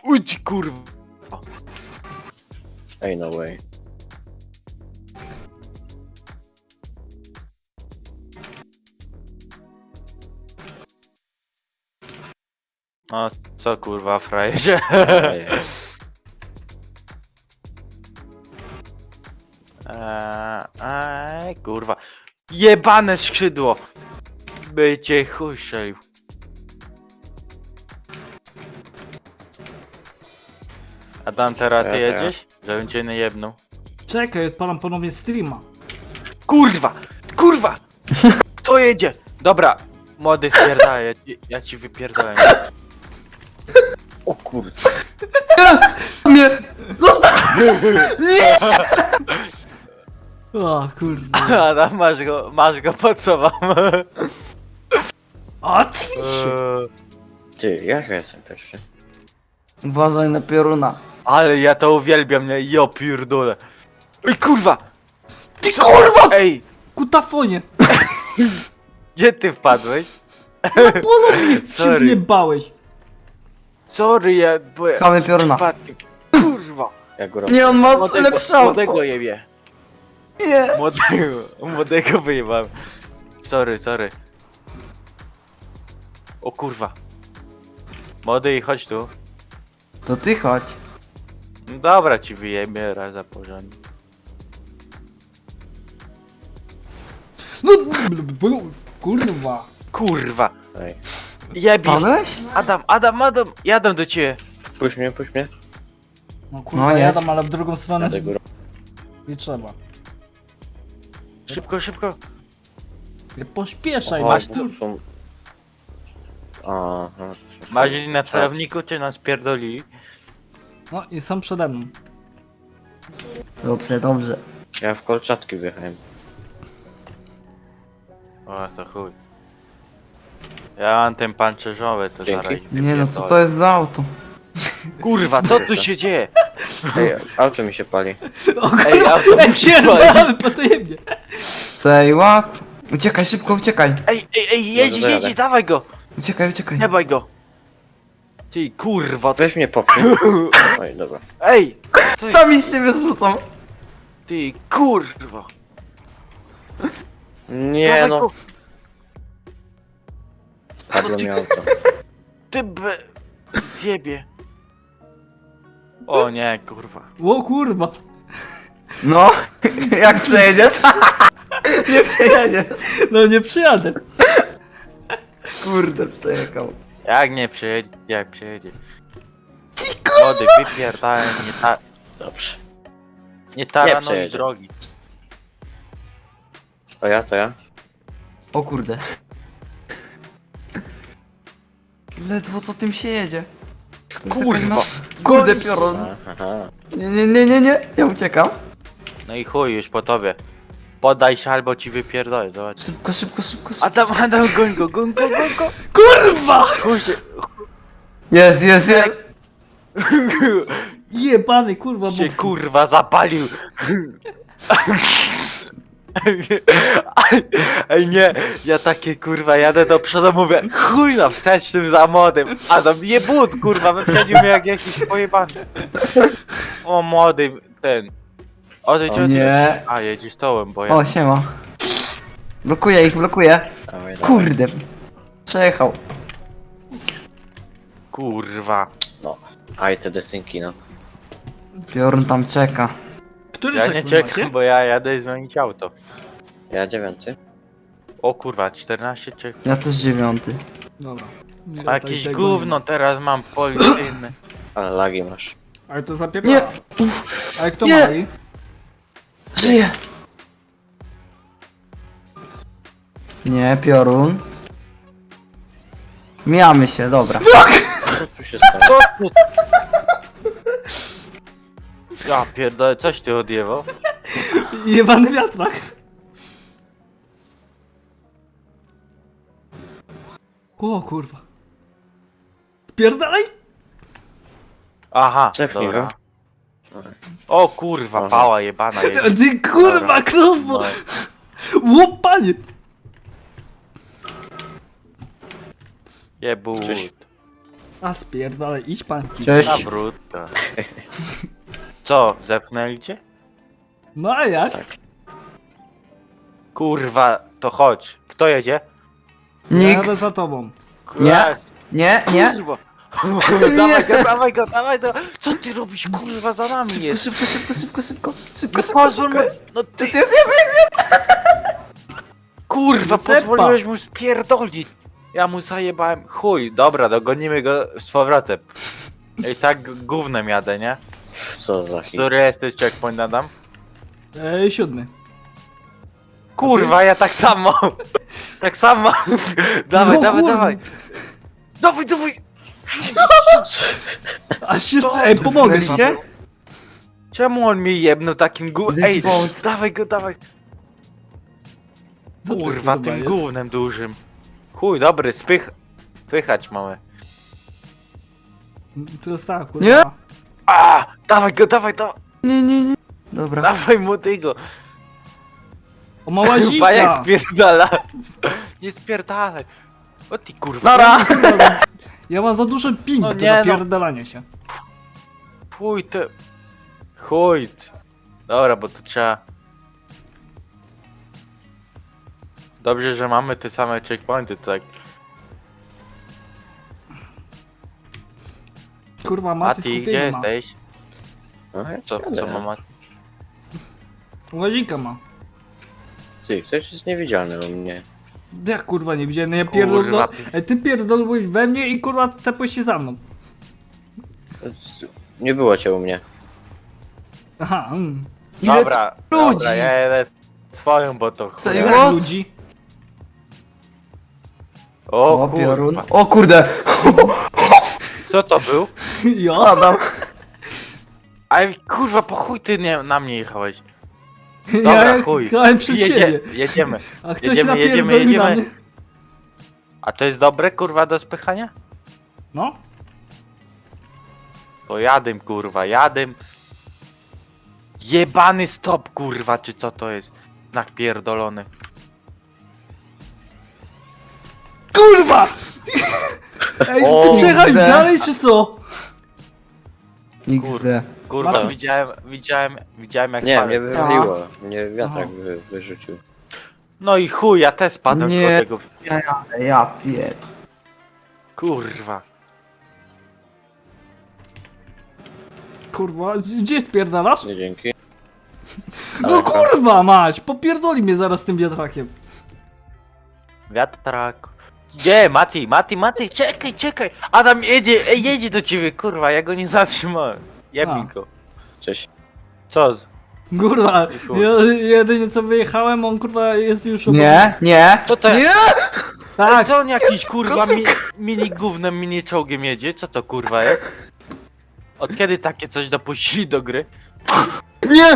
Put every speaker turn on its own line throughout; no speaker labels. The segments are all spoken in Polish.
Uj ci kurwa.
Ej, no way.
No co kurwa frajerze.
Ej,
Kurwa. Jebane skrzydło. By cię chuj strzelił. Adam, teraz ty
Ja.
jedziesz? Żebym cię nie jebnął.
Czekaj, odpalam ponownie streama.
Kurwa! Kurwa! Kto jedzie? Dobra, młody spierdalaj, ja ci wypierdolę.
o kurde.
Mnie!
O kurde.
Adam, masz go pod sobą.
Oczywiście.
Ty, jak ja jestem pierwszy?
Uważaj na pioruna.
Ale ja to uwielbiam, nie? Jo pierdolę. Ej kurwa!
Ty kurwa!
Ej!
Kutafonie!
Gdzie ty wpadłeś?
Bolo mnie
Sorry.
przyjebałeś.
Sorry, bo ja...
Chamy pioruna.
przypadkiem. Kurwa!
Ja góra.
Nie, on ma lepsze auto.
Młodego jebie.
Nie.
Młodego wyjebałem. Sorry. O kurwa. Młody, chodź tu.
To ty chodź.
No dobra, ci wyjebie raz za porządnie.
No, kurwa.
Kurwa.
Ej,
Jebi.
Padłeś?
Adam, jadę do ciebie.
puść mnie, puść mnie.
No kurwa,
No, jedź.
jadam, ale w drugą stronę
Jadę górą.
nie trzeba.
Szybko.
Nie pośpieszaj,
O,
masz
masz
tu-
są... Aha.
Masz na celowniku, czy nas pierdoli?
No i są przede mną.
Dobrze.
Ja w kolczatki wjechałem.
O, to chuj. Ja mam ten pancerzowy, to
Dzięki.
zaraz.
Nie no, co to jest za auto?
Kurwa, co tu się dzieje?
Ej, auto mi się pali.
O
Ej,
kurwa,
autobus się pali.
spierdolamy potajemnie.
Say what? Uciekaj, szybko uciekaj.
Ej, jedź, dawaj go!
Uciekaj.
Nie baj go! Ty kurwa,
Weź mnie popchnij. Oj, dobra.
ej! Co jest?
Sami z siebie rzucą.
Ty kurwa!
Nie
Dawaj
no,
go!
padło mi auto.
Ty zjebie! O nie, kurwa.
O kurwa.
No, jak przejedziesz? Nie przejedziesz.
No nie przyjadę.
Kurde, przejechał.
Jak nie przejedzie, jak przejedzie. Młody, wypierdałem,
Dobrze.
nie taranuj
przejedzie.
drogi.
To ja?
O kurde. Ledwo co tym się jedzie. To jest jakaś
Kurwa!
Kurde piorun.
Aha.
Nie. Ja uciekam.
No i chuj, już po tobie. Podaj się albo ci wypierdolę, zobacz.
Szybko.
Adam, goń go.
Kurwa!
Chuj się.
Jest.
Jebany kurwa.
Się
bo-
kurwa zapalił. Ej nie, ja takie kurwa jadę do przodu, mówię chuj na wstecznym za młodym. Adam jebut kurwa, wyprzedził mnie jak jakiś pojebany. O młody, ten. Odejdź.
Nie.
A jedziesz tołem, bo ja...
O, siema. Blokuję ich.
Dawaj.
Kurde. Przejechał.
Kurwa.
No. Aj, te desynki, no.
Piorun tam czeka.
Który
Ja nie
sekund
czekam,
macie?
bo ja jadę zmienić auto.
Ja 9.
O kurwa, 14 czy...
Ja też 9.
Dobra. Nie,
A
to
jakieś
jest tak
gówno teraz mam policyjne.
Ale lagi masz.
Ale to zapierdala.
Nie.
Ale kto
Nie.
mali?
Żyje. Nie, piorun. Mijamy się, dobra.
Co tu się stało?
Co ty? Ja pierdolę, coś ty odjebał?
Jebany wiatrak. O kurwa. Spierdalaj!
Aha,
Cepnij
dobra.
go.
O kurwa,
Aha.
pała jebana jedzie.
Ty kurwa
Dobra.
krowo!
No,
Łopanie!
jebut.
Cześć.
A spierdalaj, idź pan w kij.
Cześć.
Ta brudka. Co, zepnęli cię?
No a jak?
Tak.
Kurwa, to chodź. Kto jedzie?
Nikt.
Jadę za tobą.
Nie.
Jest.
Nie, nie.
Kurwa. Dawaj go, dawaj go, dawaj go. Co ty robisz, kurwa, za nami jest?
Szybko, szybko, szybko, szybko. Szybko,
No
szybko,
pozwól mu,
szybko.
no ty,
Jest, jest, jest.
kurwa,
Tepa.
pozwoliłeś mu spierdolić. Ja mu zajebałem, chuj, dobra, dogonimy go z powrotem. I tak gównem jadę, nie?
Co za hit.
Który jesteś checkpoint, Adam?
7.
Kurwa, ja tak samo. Tak samo. Dawaj,
No
dawaj,
kurwa.
dawaj. Dawaj, dawaj.
Aż się... Ej, pomogę ci.
Zepnęliście?
Czemu on mi jebnął takim gównem? Ej,
Zespołc.
dawaj go, dawaj.
Co to
Kurwa,
kurwa
tym
jest?
gównem dużym. Chuj, dobry, spychać mamy.
To jest tak, kurwa.
Nie?
A, dawaj go, dawaj,
Nie, nie, nie. Dobra.
dawaj mu tego.
O mała
Chyba jak
zika.
spierdala. Nie spierdalaj. O ty kurwa.
Nara.
Ja mam za duży ping
No
do
nie, no.
napierdalania się.
Chuj ty. Chuj. Dobra, bo to trzeba. Dobrze, że mamy te same checkpointy, tak.
Kurwa,
Mati,
Mati
gdzie jesteś?
No, ja
Co
jadę.
ma Mati?
Łazika ma.
Ty, ktoś jest niewidzialny u mnie.
Jak kurwa nie widziałem, no ja
Kurwa.
pierdolę. Ej, ty pierdolłeś we mnie i kurwa tepłeś się za mną.
Nie było cię u mnie.
Aha,
Ile
Dobra,
ludzi?
dobra, ja jedę swoją, bo to
Co,
chuj.
ile?
jak
What?
ludzi.
O
O, piorun.
kurwa.
O kurde.
Co to był?
Jo.
Adam.
Aj kurwa, po chuj ty nie, na mnie jechałeś.
Ja
Dobra, chuj.
jechałem przed siebie.
Jedziemy.
A ktoś
Jedziemy,
napierdolił na mnie.
A to jest dobre, kurwa, do spychania?
No.
To jadym, kurwa, jadym. Jebany stop, kurwa, czy co to jest? Znak pierdolony.
Kurwa! Ej,
O,
ty przejechałeś
kurde.
dalej czy co?
XD.
Kurwa,
Mati.
widziałem jak
Nie,
spadłem.
mnie wywaliło. Mnie wiatrak wyrzucił.
No i chuj, ja też spadłem
Nie.
do tego.
Ja jadę, ja pier...
Kurwa.
Kurwa, gdzie spierdalasz?
Nie dzięki.
No kurwa mać, popierdoli mnie zaraz tym wiatrakiem.
Wiatrak. Gdzie, Mati, czekaj. Adam jedzie do ciebie, kurwa, ja go nie zatrzymałem. Jebnij
A.
go.
Cześć.
Co?
Kurwa,
chuj.
ja jedynie co wyjechałem, on kurwa jest już...
Nie, nie.
Co to jest?
Nie!
Tak,
Co on jakiś kurwa mini gównem, mini czołgiem jedzie? Co to kurwa jest? Od kiedy takie coś dopuścili do gry?
Nie!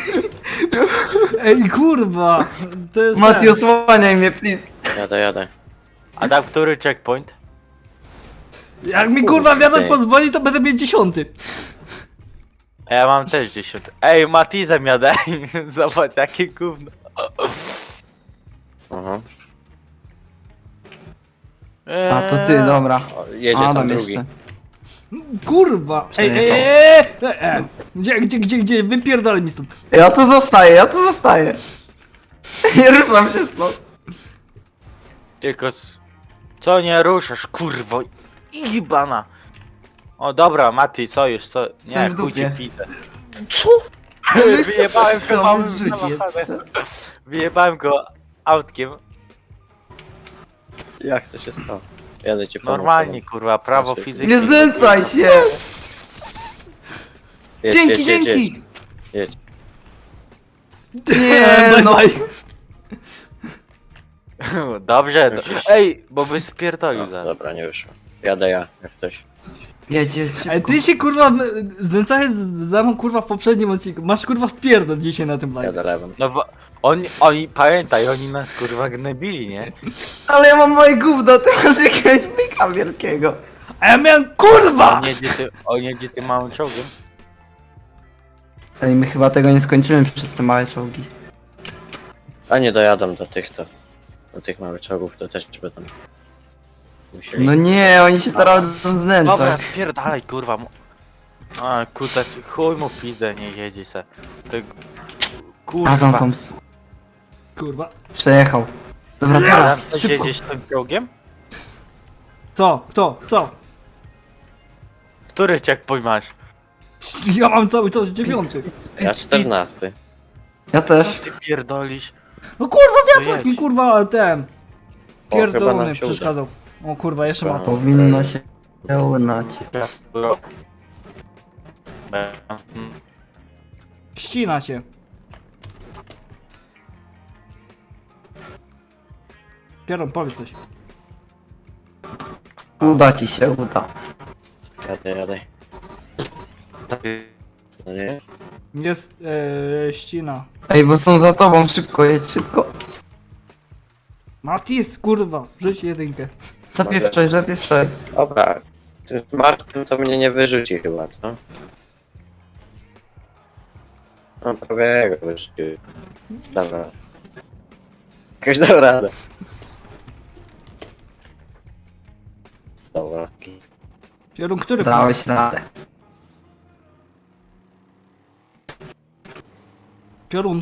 ej kurwa, to jest
Mati,
ten.
osłaniaj mnie, please.
Jadę.
Adam, który checkpoint?
Jak mi kurwa wiatrak
Ej.
pozwoli, to będę mieć 10.
A ja mam też 10. Ej, Matizem jadę. Zobacz, jakie gówno.
Aha.
A, to ty, dobra.
O, jedzie tam
Adam
drugi.
jeszcze.
Kurwa, ej,
Przejechał.
Gdzie, wypierdalaj mi stąd.
Ja tu zostaję. Nie ruszam się stąd.
Tylko co nie ruszasz, kurwo? Ibana. O dobra, Mati, sojusz, co? Nie,
Jestem w
chuj ci
dupie.
pizdę.
Co?
Wyjebałem go
To
małym
mnie zrzuci
samochodem.
jeszcze.
Wyjebałem go autkiem.
Jak to się stało? Jadę cię pomóc.
Normalnie, kurwa, prawo
Znaczy,
fizyki.
Nie znęcaj się!
Jedź,
Dzięki,
jedź, jedź,
dzięki!
jedź.
Nie, no.
Dobrze, ej, bo by spierdolił
No,
zaraz.
dobra, nie wyszło. Jadę ja, jak coś.
Jedzie
Ej,
szybko.
ty się kurwa znęcałeś za mną kurwa w poprzednim odcinku. Masz kurwa wpierdol dzisiaj na tym live.
Jadę lewą.
No bo oni, pamiętaj, oni nas kurwa gnębili, nie?
Ale ja mam moje gówno, ty masz jakiegoś mika wielkiego.
A ja miałem kurwa!
On jedzie tym małym czołgiem.
Ale my chyba tego nie skończymy przez te małe czołgi.
A nie dojadą do tych to. Do tych małych czołgów to też będą. Musieli.
No nie, oni się teraz będą
Dobra,
znęcać.
spierdalaj, kurwa. A, kutas, chuj mu w pizdę, nie jedzie se. Ty...
Adam
Kurwa.
tam
Kurwa.
przejechał. Dobra,
Adam,
teraz,
coś
szybko.
jedziesz tym ciągiem?
Co? Kto? Co?
Który checkpoint masz?
Ja mam cały czas 9.
Ja 14.
Ja też.
Ty pierdolisz.
No kurwa,
To
wiatrak
jedź.
mi kurwa ten.
chyba
Pierdolony
nam się uda.
przeszkadzał. O kurwa, jeszcze ma to.
Powinno się udać.
Ścina się. Pieron, powiedz coś.
Uda ci się, uda.
Jadę. No nie?
Jest ścina.
Ej, bo są za tobą, szybko, jedź szybko.
Matis, kurwa, rzuć jedynkę.
Zapieprzaj.
Dobra. Tym Markiem to mnie nie wyrzuci chyba, co? No prawie go wyrzucił. Dobra. Jakoś dał radę. Dobra.
Pieron, który?
Dałeś radę.
Piorun.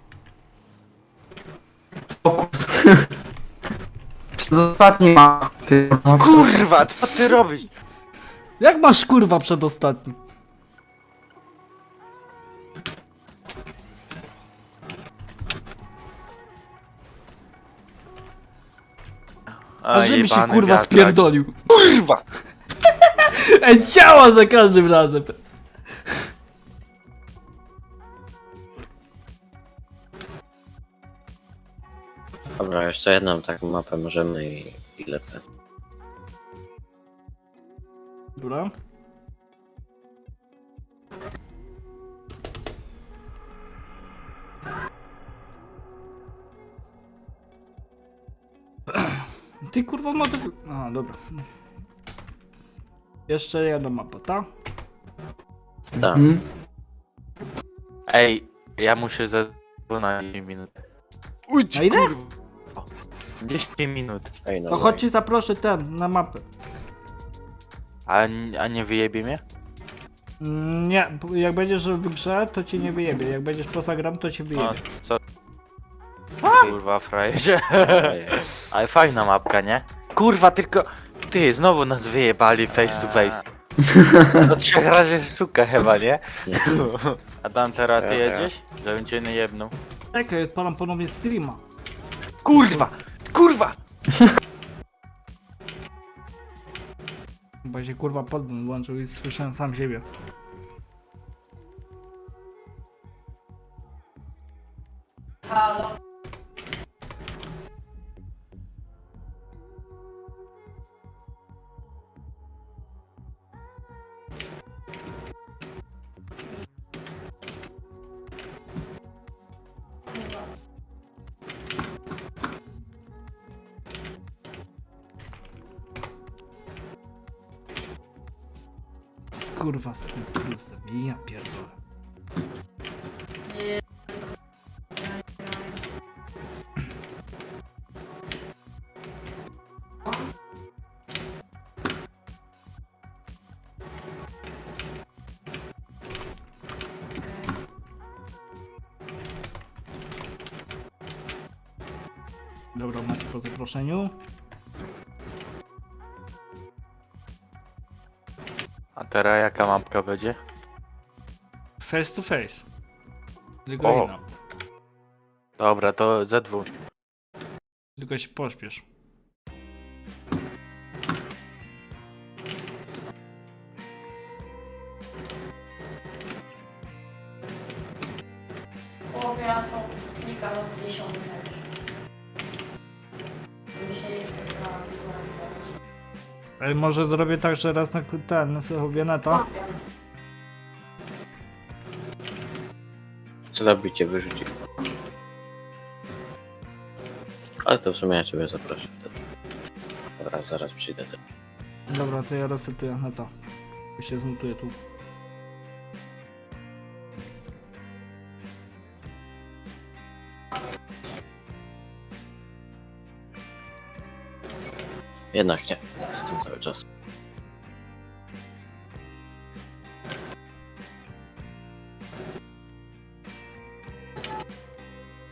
Fokus. Z ostatniej mapy.
Kurwa, co ty robisz?
Jak masz kurwa przedostatni? A żeby się
jebany
kurwa
wiatrak.
spierdolił.
Kurwa!
Ej, działa za każdym razem.
Dobra, jeszcze jedną taką mapę możemy i lecę.
Dobra. Ty kurwa ma tego... A, dobra. Jeszcze jedna mapa, ta?
Tak.
Mhm.
Ej, ja muszę za 12 minut. Uj,
Na ile?
kurwa. 10 minut.
Ej, no
To chodź ci zaproszę ten, na mapę.
A nie wyjebie mnie?
Nie, jak będziesz w grze, to cię nie wyjebie. Jak będziesz poza gram, to cię
O,
wyjebie.
co? Kurwa, frajerze.
Ej,
Ale fajna mapka, nie? Kurwa, tylko... Ty, znowu nas wyjebali face to face. To 3 razy sztuka chyba, nie? A tam teraz ty
Ja.
jedziesz? Żebym cię nie jebnął.
Czekaj, odpalam ponownie streama.
Kurwa! Kurwa!
Chyba się kurwa podgląd włączył i słyszałem sam siebie. Kurwa z tym plusem, ja pierdolę. Dobra, macie po zaproszeniu.
A teraz jaka mapka będzie?
Face to face. Tylko
O.
inna.
Dobra, to Z2.
Tylko się pośpiesz.
Połowie ja to klikam od miesiąca już. Mi się nie chce grała wykorzystać.
Ale może zrobię tak, że raz na ten, sobie na to.
Co robicie? Wyrzuci. Ale to w sumie ja ciebie zaproszę wtedy. Dobra, zaraz przyjdę.
Dobra, to ja resetuję na to. I się zmutuję tu.
Jednak nie. Jestem cały czas.